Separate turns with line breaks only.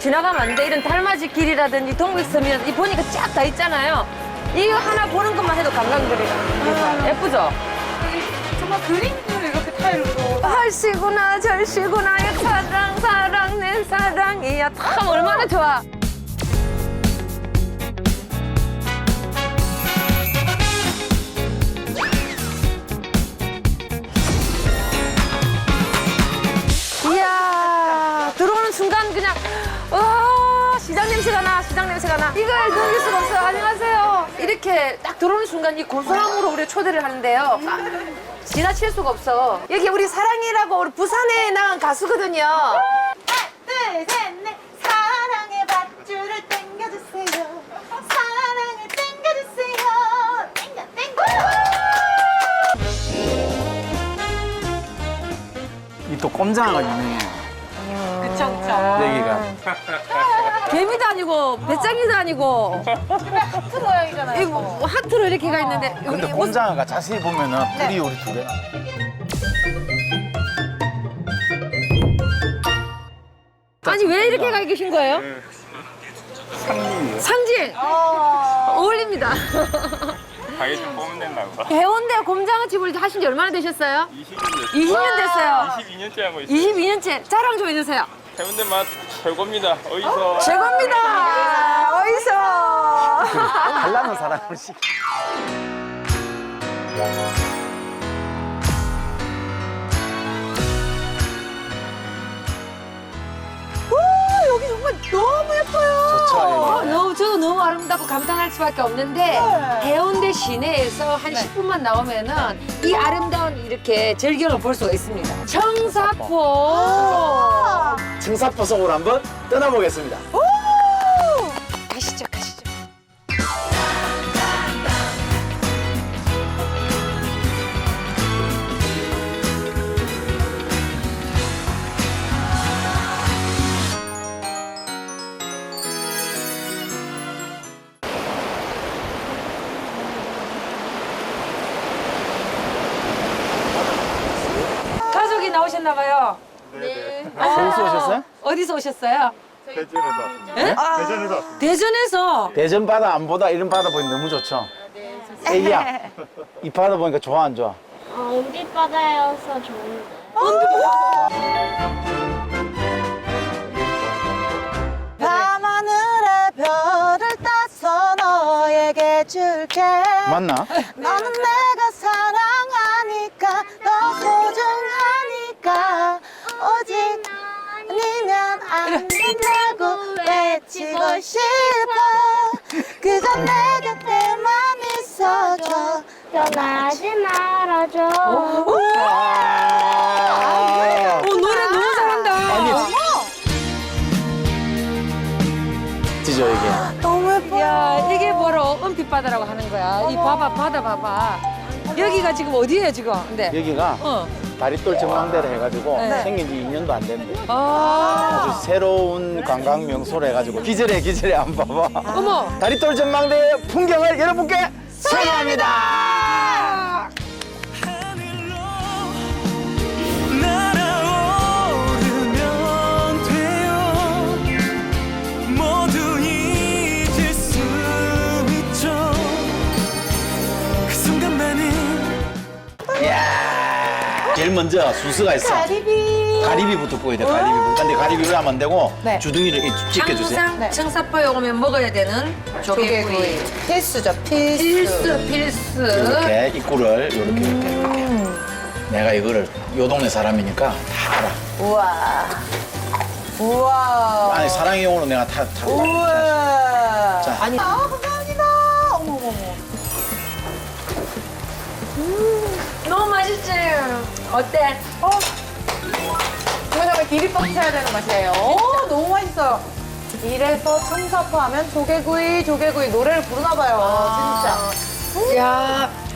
지나가면 안 돼. 이런 달맞이 길이라든지 동백섬이라든지 이 보니까 쫙 다 있잖아요. 이거 하나 보는 것만 해도 관광거리가 예쁘죠?
정말 그림도 이렇게 타일로.
할시구나 절시구나 야 사랑 사랑 내 사랑이야 참 얼마나 좋아. 이야 들어오는 순간 그냥 와 시장 냄새가 나 시장 냄새가 나 이걸 넘길 수가 없어요. 안녕하세요. 이렇게 딱 들어오는 순간 이 고소함으로 우리가 초대를 하는데요. 지나칠 수가 없어. 여기 우리 사랑이라고 우리 부산에 나간 가수거든요.
하나, 둘, 셋, 넷. 사랑의 밧줄을 당겨주세요. 사랑을 당겨주세요. 당겨, 당겨.
이 또 꼼장어가 유명해요.
그쵸, 그쵸.
여기가.
개미도 아니고 배짱이도 아니고
하트 모양이잖아요.
이거 뭐 하트로 이렇게 가 있는데
근데
여기
꼼장어가 자세히 보면은 뿔이 우리 두 개.
아니 왜 이렇게 가 계신 거예요?
상님이요.
상징 어울립니다.
가게 좀 뽑으면 된다고.
해운대 곰장어집을 하신 지 얼마나 되셨어요?
20년
20년 됐어요.
22년째 하고 있어요.
22년째 자랑 좀 해주세요.
해운대 맛 최고입니다. 어디서?
최고입니다. 어디서?
달라는 사람을 시켜.
여기 정말 너무 예뻐요.
좋죠,
저도 너무 아름답고 감탄할 수밖에 없는데 해운대 시내에서 한 10분만 나오면은 이 아름다운 이렇게 절경을 볼 수가 있습니다. 청사포.
청사포 속으로 한번 떠나보겠습니다.
가시죠, 가시죠. 가족이 나오셨나 봐요.
네네.
어디서 오셨어요?
어디서 오셨어요?
대전에서 왔습니다.
예?
대전에서 왔습니다.
대전에서.
대전 바다 안 보다 이런 바다 보니 너무 좋죠? 애기야, 이 바다 보니까 좋아 안 좋아?
은빛바다여서 좋은데.
밤하늘에 별을 따서 너에게 줄게.
맞나?
너는 내가 사랑하니까 더 소중하니까 오직 아니면 안 된다고 외치고 싶어. 그저 내 곁에만 있어줘.
떠나지 말아줘.
노래 너무 잘한다.
아니, 지죠 이게.
너무 예뻐.
야, 이게 바로 은빛바다라고 하는 거야. 이 봐봐, 바다 봐봐. 여기가 지금 어디예요, 지금? 근데.
여기가
어.
다리돌 전망대를 해가지고
네.
생긴 지 2년도 안 됐는데
아.
아주 새로운 관광 명소로 해가지고 기절해 한번 봐봐.
어머.
다리돌 전망대의 풍경을 여러분께 소개합니다.
날아오르면 돼요. 모두 잊을 수 있죠. 그 순간만은
제일 먼저 순서가 있어. 가리비부터 구워야 돼. 가리비부터. 근데 가리비 왜 하면 안 되고
네.
주둥이를 이렇게 찢겨주세요.
항상 청사포에 오면 먹어야 되는 조개구이.
필수죠, 필수.
필수.
이렇게 입구를 이렇게. 내가 이거를 요 동네 사람이니까 다 알아.
우와. 우와.
아니 사랑이용으로 내가 타고 가.
우와.
자.
아니. 아, 감사합니다. 어머, 어머, 어머.
너무 맛있지? 어때?
이거 정말 기립박 쳐야 되는 맛이에요. 너무 맛있어요. 이래서 청사포 하면 조개구이, 조개구이 노래를 부르나 봐요, 진짜.
야,